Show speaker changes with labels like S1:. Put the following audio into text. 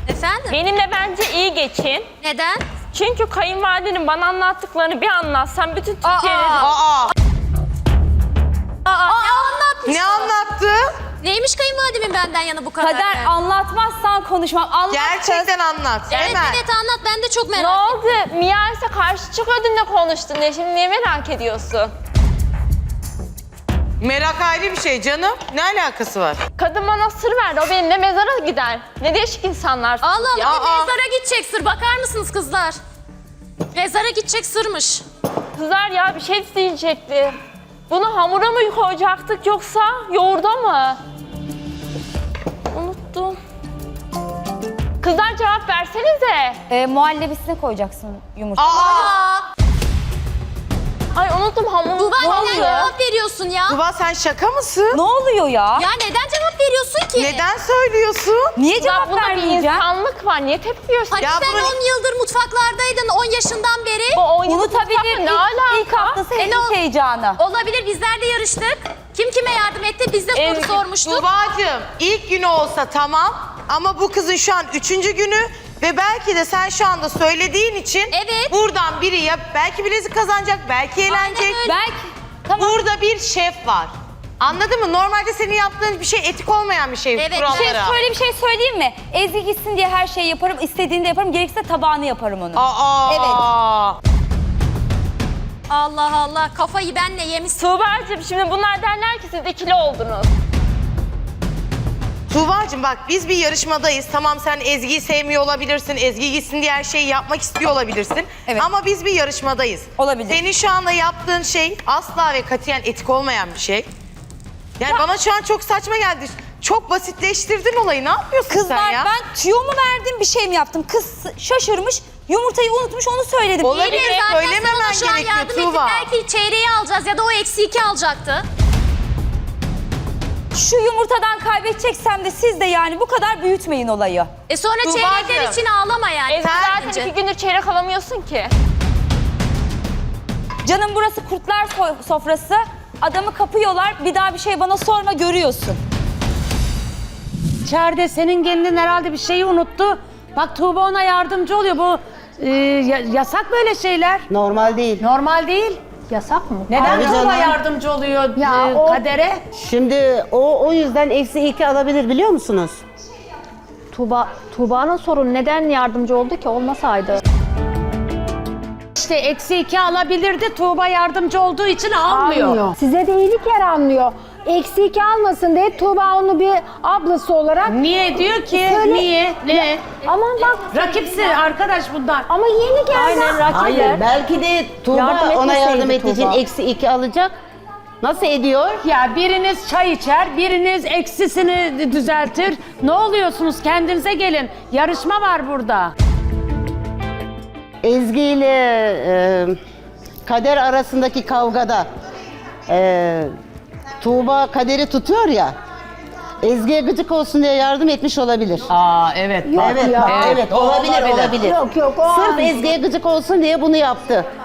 S1: Efendim?
S2: Benimle bence iyi geçin.
S1: Neden?
S2: Çünkü kayınvalidenin bana anlattıklarını bir anlatsam bütün Türkiye'nin...
S1: Ne anlatmış?
S3: Ne anlattı?
S1: Neymiş kayınvalidemin benden yana bu kadar?
S4: Kader anlatmazsan konuşmam. Anlat
S3: Gerçekten anlat.
S1: Evet
S3: Hemen.
S1: evet anlat, ben de çok
S2: Ne
S1: merak ettim.
S2: oldu? Miyerse karşı çıkıyordun ne konuştun diye. Şimdi niye merak ediyorsun?
S3: Merak ayrı bir şey canım. Ne alakası var?
S2: Kadın bana sır verdi. O benimle mezara gider. Ne değişik insanlar.
S1: Allah Allah,
S2: Ya.
S1: bir mezara gidecek sır. Bakar mısınız kızlar? Mezara gidecek sırmış.
S2: Kızlar ya bir şey diyecekti. Bunu hamura mı koyacaktık yoksa yoğurda mı? Unuttum. Kızlar cevap versenize.
S4: muhallebisine koyacaksın yumurta.
S2: Ay unuttum hamuru.
S1: Tuğba
S2: Ne
S1: neden
S2: oluyor?
S1: cevap veriyorsun ya?
S3: Tuba sen şaka mısın?
S4: Ne oluyor ya?
S1: Ya neden cevap veriyorsun ki?
S3: Neden söylüyorsun?
S4: Niye
S2: Kızlar
S4: cevap
S2: bunda bir
S4: vermeyeceğim?
S2: insanlık var. Niye tepki veriyorsun?
S1: Hani
S3: Ya
S1: sen
S3: bunu-
S1: 10 yıldır mutfaklardaydın, 10 yaşından beri.
S2: Bu oyunu
S4: Unutabilir.
S2: ne alaka?
S4: İlk haftası
S1: ne
S4: henüz
S1: o-
S4: heyecanı.
S1: Olabilir, bizler de yarıştık. Kim kime yardım etti? Biz de soru sormuştuk.
S3: Tuba'cığım ilk günü olsa tamam ama bu kızın şu an 3. günü ve belki de sen şu anda söylediğin için
S1: Evet.
S3: buradan biri ya belki bilezik kazanacak, belki eğlenecek.
S1: öyle.
S4: Belki tamam.
S3: Burada bir şef var. Anladın mı? Normalde senin yaptığın bir şey etik olmayan bir şey
S1: Evet,
S3: kurallara.
S4: Şöyle bir şey söyleyeyim mi? Ezgi gitsin diye her şeyi yaparım. İstediğinde yaparım. Gerekirse tabağını yaparım onu.
S3: Evet.
S1: Allah Allah, kafayı benle yemişsin.
S2: Tuğba'cığım şimdi bunlar derler ki siz ikili oldunuz.
S3: Tuğba'cığım bak biz bir yarışmadayız. Tamam sen Ezgi'yi sevmiyor olabilirsin. Ezgi gitsin diye her şeyi yapmak istiyor olabilirsin.
S4: Evet.
S3: Ama biz bir yarışmadayız.
S4: Olabilir.
S3: Senin şu anda yaptığın şey asla ve katiyen etik olmayan bir şey. Yani bana şu an çok saçma geldi. Çok basitleştirdin olayı. Ne yapıyorsun sen
S4: Kızlar
S3: ya?
S4: ben tüyo mu verdim bir şey mi yaptım? Kız şaşırmış. Yumurtayı unutmuş onu söyledim.
S3: Olabilir.
S1: İyi de zaten
S3: söylememen
S1: sen ona şu an
S3: gerekiyor
S1: yardım ettin.
S3: Tuğba.
S1: Belki çeyreği alacağız ya da o -2 alacaktı.
S4: Şu yumurtadan kaybedeceksem de siz de yani bu kadar büyütmeyin olayı.
S1: Sonra
S3: Tuğbacığım.
S1: çeyrekler için ağlama yani.
S2: Ezgi
S1: Bence.
S2: zaten 2 gündür çeyrek alamıyorsun ki.
S4: Canım burası kurtlar sofrası. Adamı kapıyorlar. Bir daha bir şey bana sorma görüyorsun.
S5: İçeride senin gelinin herhalde bir şeyi unuttu. Bak Tuğba ona yardımcı oluyor. Bu yasak böyle şeyler.
S6: Normal değil.
S5: Normal değil.
S7: Yasak mı?
S5: Neden
S6: Tabii
S5: Tuğba
S6: canım.
S5: yardımcı oluyor
S7: Ya o-
S5: Kader'e?
S6: Şimdi o yüzden -2 alabilir biliyor musunuz?
S7: Tuğba'nın sorunu neden yardımcı oldu ki, olmasaydı?
S5: İşte -2 alabilirdi. Tuğba yardımcı olduğu için almıyor.
S7: Size de iyilik yaranmıyor. -2 almasın diye Tuğba onu bir ablası olarak...
S5: Niye diyor ki?
S7: Söyle-
S5: Niye? Ne?
S7: Aman bak,
S5: Rakipsi arkadaş bundan.
S7: ama yeni geldi.
S5: Aynen, rakip.
S6: Hayır, belki de Tuğba
S7: Yardım
S6: ona
S7: etmeseydi
S6: yardım ettiği için
S7: Tuğba.
S6: -2 alacak. Nasıl ediyor?
S5: Ya biriniz çay içer, biriniz eksisini düzeltir. Ne oluyorsunuz? Kendinize gelin. Yarışma var burada.
S6: Ezgi ile Kader arasındaki kavgada Tuğba Kader'i tutuyor ya. Ezgi'ye gıcık olsun diye yardım etmiş olabilir.
S5: Aa evet.
S6: Evet,
S7: ya.
S6: bak, evet, olabilir.
S7: Yok, o
S6: Sırf
S7: an-
S6: Ezgi'ye gıcık olsun diye bunu yaptı.